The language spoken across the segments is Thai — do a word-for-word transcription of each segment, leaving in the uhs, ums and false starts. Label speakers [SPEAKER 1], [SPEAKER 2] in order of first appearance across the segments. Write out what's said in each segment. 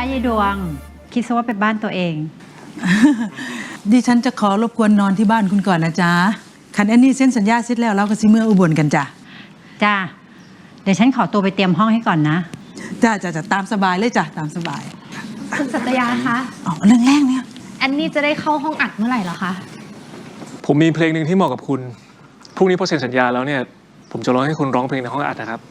[SPEAKER 1] ยายดวงคิดซะว่าเป็นบ้านตัวเอง
[SPEAKER 2] ดิฉันจะขอรบกวนนอนที่บ้านคุณก่อนนะจ๊ะคันแอนนี่เซ็นสัญญาเสร็จแล้วเราก็สิเมื่ออุบลกันจ้ะ
[SPEAKER 1] จ้าเดี๋ยวฉันขอตัวไปเตรียมห้องให้ก่อนนะ
[SPEAKER 2] จ้าจะจะตามสบายเลยจ้ะตามสบาย
[SPEAKER 3] คุณสัตยาคะ
[SPEAKER 2] อ๋อเรื่องแรกเนี่ย
[SPEAKER 3] แอนนี่จะได้เข้าห้องอัดเมื่อไหร่เหรอคะ
[SPEAKER 4] ผมมีเพลงหนึ่งที่เหมาะกับคุณพรุ่งนี้พอเซ็นสัญญาแล้วเนี่ยผมจะร้องให้คุณร้องเพลงในห้องอัดนะครับ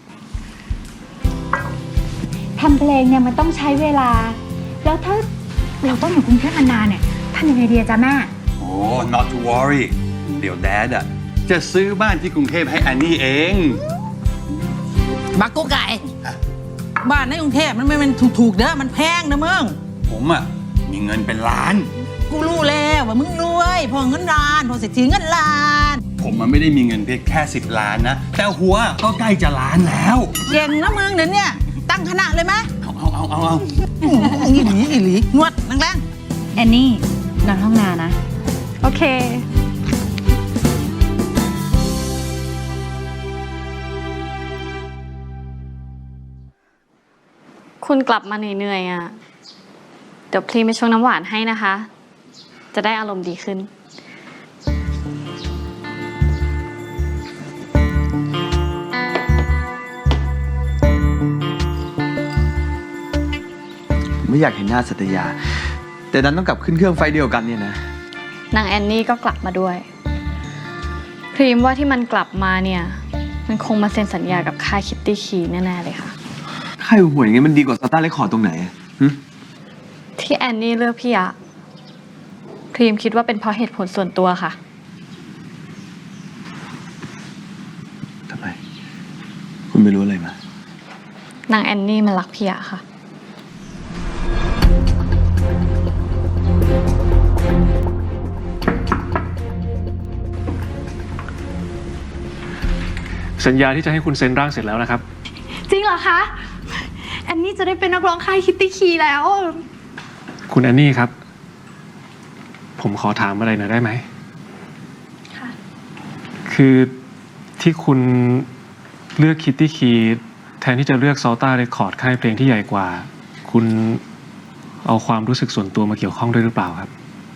[SPEAKER 3] ทำเพลงเนี่ยมันต้องใช้เวลาแล้วถ้าเราต้องอยู่กรุงเทพนานๆเนี่ยทำยังไงดีจ๊ะแม่
[SPEAKER 5] โอ้ not to worry เดี๋ยวแดดอ่ะจะซื้อบ้านที่กรุงเทพให้แอนนี่เอง
[SPEAKER 2] บักกุ๊กไก่บ้านในกรุงเทพมันไม่เป็นถูกๆเด้อมันแพงนะมึง
[SPEAKER 5] ผมอ่ะมีเงินเป็นล้าน
[SPEAKER 2] กูรู้แล้วว่ามึงรวยพอเงินล้านพอเศรษฐีเงินล้าน
[SPEAKER 5] ผมมันไม่ได้มีเงินเพียงแค่สิบล้านนะแต่หัวก็ใกล้จะล้านแล้ว
[SPEAKER 2] เก่งนะมึงเดี๋ยวนี้ตั้งคณะเลยไหม
[SPEAKER 5] เอาเอาเอาเอาเอา
[SPEAKER 2] อีหลีอีหลีนวดแรง
[SPEAKER 3] ๆแอนนี่นอนห้องนานะโอเค
[SPEAKER 6] คุณกลับมาเหนื่อยๆอ่ะเดี๋ยวพลีไปชงน้ำหวานให้นะคะจะได้อารมณ์ดีขึ้น
[SPEAKER 7] ไม่อยากเห็นหน้าสัตยาแต่ดันต้องกลับขึ้นเครื่องไฟเดียวกันเนี่ยนะ
[SPEAKER 6] นางแอนนี่ก็กลับมาด้วยพรีมว่าที่มันกลับมาเนี่ยมันคงมาเซ็นสัญญากับค่ายคิตตี้คีแน่ๆเลยค่ะ
[SPEAKER 7] ค่ายหวยอย่างงี้มันดีกว่าสตาร์เรคคอร์ดตรงไหน
[SPEAKER 6] ที่แอนนี่เลือกพี่อะพรีมคิดว่าเป็นเพราะเหตุผลส่วนตัวค่ะ
[SPEAKER 7] ทำไมคุณไม่รู้อะไรม
[SPEAKER 6] านางแอนนี่มันรักพี่อะค่ะ
[SPEAKER 4] สัญญาที่จะให้คุณเซ็นร่างเสร็จแล้วนะครับ
[SPEAKER 3] จริงเหรอคะแอนนี่จะได้เป็นนักร้องค่ายคิตตี้คีแล้ว
[SPEAKER 4] คุณแอนนี่ครับผมขอถามอะไรหน่อยได้ไหม
[SPEAKER 3] ค่ะ
[SPEAKER 4] คือที่คุณเลือกคิตตี้คีแทนที่จะเลือกซอลต้าเรคคอร์ดค่ายเพลงที่ใหญ่กว่าคุณเอาความรู้สึกส่วนตัวมาเกี่ยวข้องด้วยหรือเปล่าครับ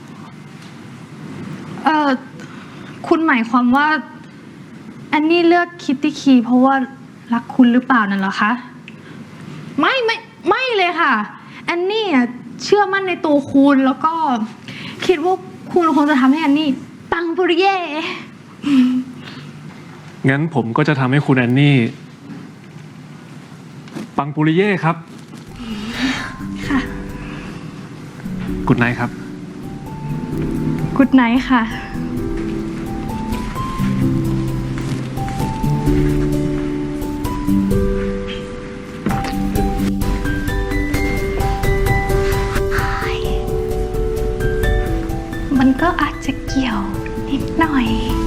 [SPEAKER 3] เออคุณหมายความว่าแอนนี่เลือกคิตตี้คีเพราะว่ารักคุณหรือเปล่านั่นเหรอคะไม่ไม่ไม่เลยค่ะแอนนี่เชื่อมั่นในตัวคุณแล้วก็คิดว่าคุณคงจะทำให้แอนนี่ปังปุริเย่
[SPEAKER 4] งั้นผมก็จะทำให้คุณแอนนี่ปังปุริเย่ครับ
[SPEAKER 3] ค่ะ
[SPEAKER 4] กุดไนท์ครับ
[SPEAKER 3] กุดไนท์ค่ะมันก็อาจจะเกี่ยวนิดหน่อย